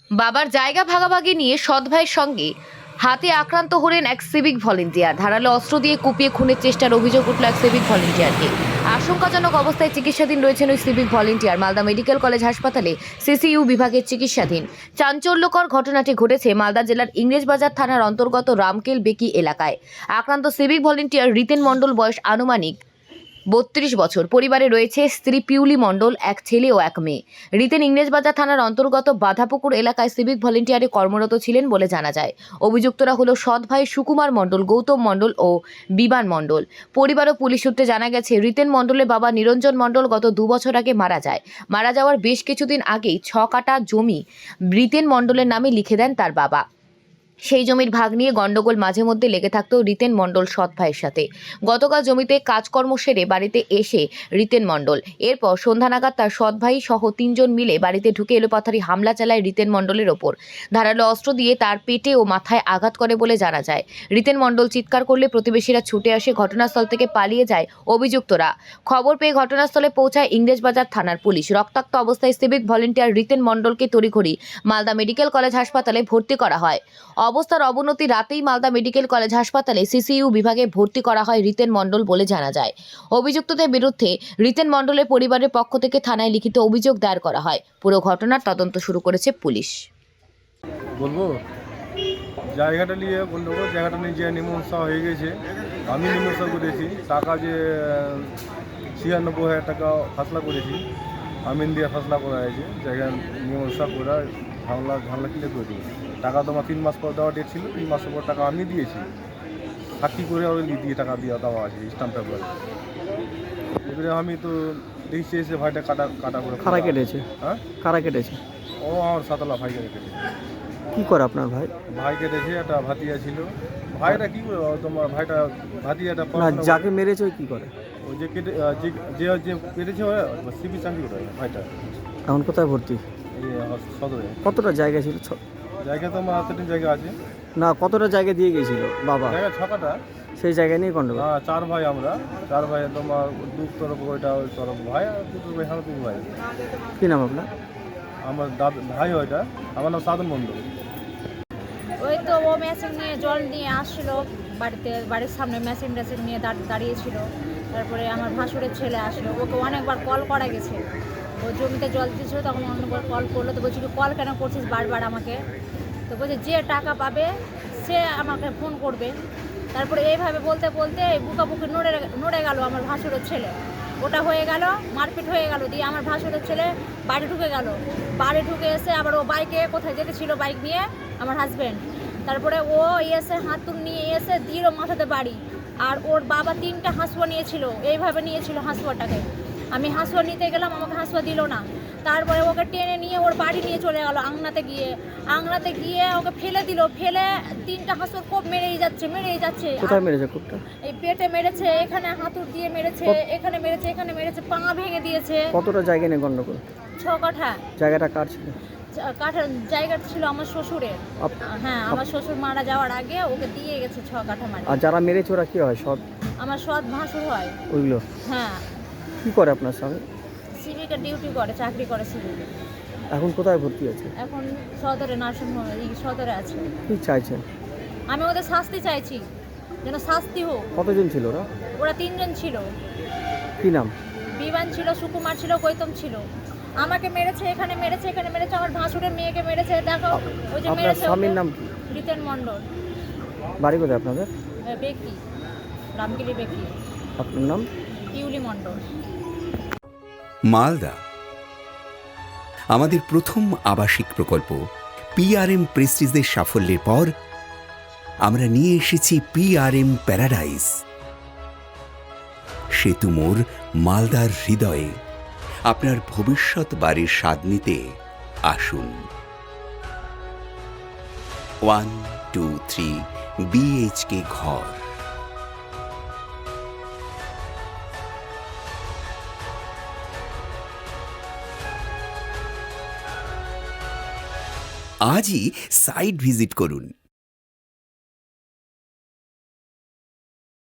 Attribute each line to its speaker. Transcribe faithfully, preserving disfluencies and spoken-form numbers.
Speaker 1: বাবার জায়গা ভাগাভাগি নিয়ে সৎ ভাইয়ের সঙ্গে হাতে আক্রান্ত হলেন এক সিভিক ভলেন্টিয়ার। ধারালো অস্ত্র দিয়ে কুপিয়ে খুনের চেষ্টার অভিযোগ উঠল এক সিভিক ভলেন্টিয়ারকে। আশঙ্কাজনক অবস্থায় চিকিৎসাধীন রয়েছেন ওই civic volunteer. Malda medical college হাসপাতালে সিসিইউ বিভাগের চিকিৎসাধীন। চাঞ্চল্যকর ঘটনাটি ঘটেছে মালদা জেলার ইংরেজবাজার থানার অন্তর্গত রামকেল বেকি এলাকায়। আক্রান্ত সিভিক ভলেন্টিয়ার রিতেন মণ্ডল, বয়স আনুমানিক বত্রিশ বছর। পরিবারে রয়েছে স্ত্রী পিউলি মণ্ডল, এক ছেলে ও এক মেয়ে। রিতেন ইংরেজবাজার থানার অন্তর্গত বাধাপুকুর এলাকায় সিভিক ভলেন্টিয়ারে কর্মরত ছিলেন বলে জানা যায়। অভিযুক্তরা হলো সৎ ভাই সুকুমার মণ্ডল, গৌতম মণ্ডল ও বিমান মণ্ডল। পরিবার ও পুলিশ সূত্রে জানা গেছে, রিতেন মণ্ডলের বাবা নিরঞ্জন মণ্ডল গত দু বছর আগে মারা যায়। মারা যাওয়ার বেশ কিছুদিন আগেই ছ কাটা জমি রিতেন মণ্ডলের নামে লিখে দেন তার বাবা। সেই জমির ভাগ নিয়ে গন্ডগোল মাঝে মধ্যে লেগে থাকতো রিতেন মণ্ডল সৎ ভাইয়ের সাথে। গতকাল জমিতে কাজকর্ম সেরে বাড়িতে এসে রিতেন মণ্ডল এরপর সন্ধ্যা নাগাদ তার সৎ ভাই সহ তিনজন মিলে বাড়িতে ঢুকে এলোপাথারি হামলা চালায় রিতেন মণ্ডলের ওপর। ধারালো অস্ত্র দিয়ে তার পেটে ও মাথায় আঘাত করে বলে জানা যায়। রিতেন মণ্ডল চিৎকার করলে প্রতিবেশীরা ছুটে আসে। ঘটনাস্থল থেকে পালিয়ে যায় অভিযুক্তরা। খবর পেয়ে ঘটনাস্থলে পৌঁছায় ইংরেজবাজার থানার পুলিশ। রক্তাক্ত অবস্থায় সিভিক ভলেন্টিয়ার রিতেন মণ্ডলকে তড়িঘড়ি মালদা মেডিকেল কলেজ হাসপাতালে ভর্তি করা হয়। অবস্থার অবনতি রাতেই মালদা মেডিকেল কলেজ হাসপাতালে সিসিইউ বিভাগে ভর্তি করা হয় রিতেন মণ্ডল বলে জানা যায়। অভিযুক্তদের বিরুদ্ধে রিতেন মণ্ডলের পরিবারের পক্ষ থেকে থানায় লিখিত অভিযোগ দায়ের করা হয়। পুরো ঘটনার তদন্ত শুরু করেছে পুলিশ।
Speaker 2: বলবো জায়গাটা নিয়ে বলবো জায়গাটা নিয়ে যে মীমাংসা হয়ে গেছে, আমি মীমাংসা করেছি। টাকা যে ছিয়ানব্বই হাজার টাকা ফাসলা করেছি, আমিন দিয়ে ফাসলা করা হয়েছে। জায়গা মীমাংসা করে ঝামেলা ঝামেলা ক্লিয়ার করে দিয়েছি। টাকা তোমার তিন মাস পর দেওয়া ডেট ছিল, তিন মাসের পর টাকা আমি দিয়েছি। সাক্ষী করে ওই দিয়ে টাকা দিয়ে দেওয়া আছে স্ট্যাম্প পেপার। এবারে আমি তো দেখছি এসে ভাইটা কাটা কাটা করে
Speaker 3: কারা কেটেছে?
Speaker 2: হ্যাঁ,
Speaker 3: কারা কেটেছে?
Speaker 2: ও আমার সাতলা ভাই কেটেছে।
Speaker 3: কি করে আপনার ভাই?
Speaker 2: ভাই কেটেছে, একটা ভাতিজা ছিল। ভাইটা কি করে তোমার ভাইটা ভাতিজাটা
Speaker 3: না, যাকে মেরেছে ওই কি করে?
Speaker 2: ওই যে কেটে যে যে যে কেটেছে সিবি চাকরি করে ভাইটা।
Speaker 3: এখন কোথায় ভর্তি?
Speaker 2: এই সদরে।
Speaker 3: কতটা জায়গা ছিল? ছ-
Speaker 2: জায়গা তো আমার হাতে জায়গা আছে।
Speaker 3: না, কতটা জায়গা দিয়ে গেছিল বাবা?
Speaker 2: জায়গা ছকাটা।
Speaker 3: সেই জায়গা নিয়ে গন্ডগোল।
Speaker 2: হ্যাঁ, চার ভাই আমরা। চার ভাই তোমার দু তরফ ওইটা ওই তরফ ভাই আর দুটো ভাই আমার তিন ভাই।
Speaker 3: কি নাম আপনার?
Speaker 2: আমার দাদা ভাই ওইটা। আমার নাম সাধন মণ্ডল।
Speaker 4: ওই তো ও মেশিন নিয়ে জল নিয়ে আসছিল বাড়িতে, বাড়ির সামনে মেশিন টেশিন নিয়ে দাঁড়িয়েছিল। তারপরে আমার ভাসুরের ছেলে আসলো, ওকে অনেকবার কল করা গেছে। ও জমিতে জল দিয়েছিল, তখন অনেকবার কল করলো। তো বলছি কল কেন করছিস বারবার আমাকে? তো বলছে যে টাকা পাবে সে আমাকে ফোন করবে। তারপরে এইভাবে বলতে বলতে বুকাবুকি নড়ে নড়ে গেল আমার ভাসুরের ছেলে। ওটা হয়ে গেল, মারপিট হয়ে গেল। দিয়ে আমার ভাসুরের ছেলে বাড়ি ঢুকে গেল। বাড়ি ঢুকে এসে আবার ও বাইকে কোথায় যেতে ছিল, বাইক নিয়ে আমার হাজব্যান্ড। তারপরে ও এসে হাতুড় নিয়ে এসে দিল মাথাতে বাড়ি। আর ওর বাবা তিনটা হাঁসুয়া নিয়েছিল, এইভাবে নিয়েছিল হাঁসুয়াটাকে। আমি হাঁসুয়া নিতে গেলাম, আমাকে হাঁসুয়া দিল না। তারপরে ওকে টেনে নিয়ে ওর বাড়ি নিয়ে চলে গেল আংনাতে গিয়ে। আংনাতে গিয়ে ওকে ফেলে দিল। ফেলে তিনটা হাঁসুর কোপ মেরেই যাচ্ছে মেরেই যাচ্ছে।
Speaker 3: কোথায় মেরেছে কোপটা?
Speaker 4: এই পেটে মেরেছে, এখানে হাতুড় দিয়ে মেরেছে, এখানে মেরেছে, এখানে মেরেছে, পা ভেঙে দিয়েছে।
Speaker 3: কতটা জায়গা নিয়ে গন্ডগোল?
Speaker 4: ছ কাঠা।
Speaker 3: জায়গাটা কার ছিল?
Speaker 4: কাঠার জায়গাটা ছিল আমার শ্বশুরের।
Speaker 3: আপ-
Speaker 4: হ্যাঁ, আমার শ্বশুর মারা যাওয়ার আগে ওকে দিয়ে গেছে ছ কাঠা মাটি।
Speaker 3: আর যারা মেরেছে ওরা কি হয়? সব
Speaker 4: আমার সৎ ভাসুর হয়।
Speaker 3: ওইগুলো
Speaker 4: হ্যাঁ,
Speaker 3: কি করে আপনার স্বামী?
Speaker 4: সিভিকে ডিউটি করে, চাকরি করে সিভিকে।
Speaker 3: এখন কোথায় ভর্তি আছে?
Speaker 4: এখন সদরে নার্সিংহোমে, এই সদরে আছে।
Speaker 3: কি চাইছেন?
Speaker 4: আমি ওদের শাস্তি চাইছি, যেন শাস্তি হোক।
Speaker 3: কতজন ছিল ওরা?
Speaker 4: ওরা তিনজন ছিল।
Speaker 3: কি নাম?
Speaker 4: বিমান ছিল, সুকুমার ছিল, গৌতম ছিল। আমাকে মেরেছে, এখানে মেরেছে, এখানে মেরেছে, আমার ভাসুরের মেয়েকে মেরেছে। দেখো ওই যে
Speaker 3: আপনার
Speaker 4: মেরেছে।
Speaker 3: স্বামীর নাম কি?
Speaker 4: রিতেন মণ্ডল।
Speaker 3: বাড়ি কোথায় আপনাদের?
Speaker 4: বেকি, রামগিরি বেকি।
Speaker 3: আপনার নাম?
Speaker 4: পিউলি মণ্ডল।
Speaker 5: মালদা আমাদের প্রথম আবাসিক প্রকল্প পিআরএম প্রেস্টিজের সাফল্যের পর আমরা নিয়ে এসেছি পিআরএম প্যারাডাইস। সেতু মোড় মালদার হৃদয়ে আপনার ভবিষ্যৎ বাড়ির স্বাদ নিতে আসুন। ওয়ান টু থ্রি বিএইচকে ঘর। আজই সাইট ভিজিট করুন।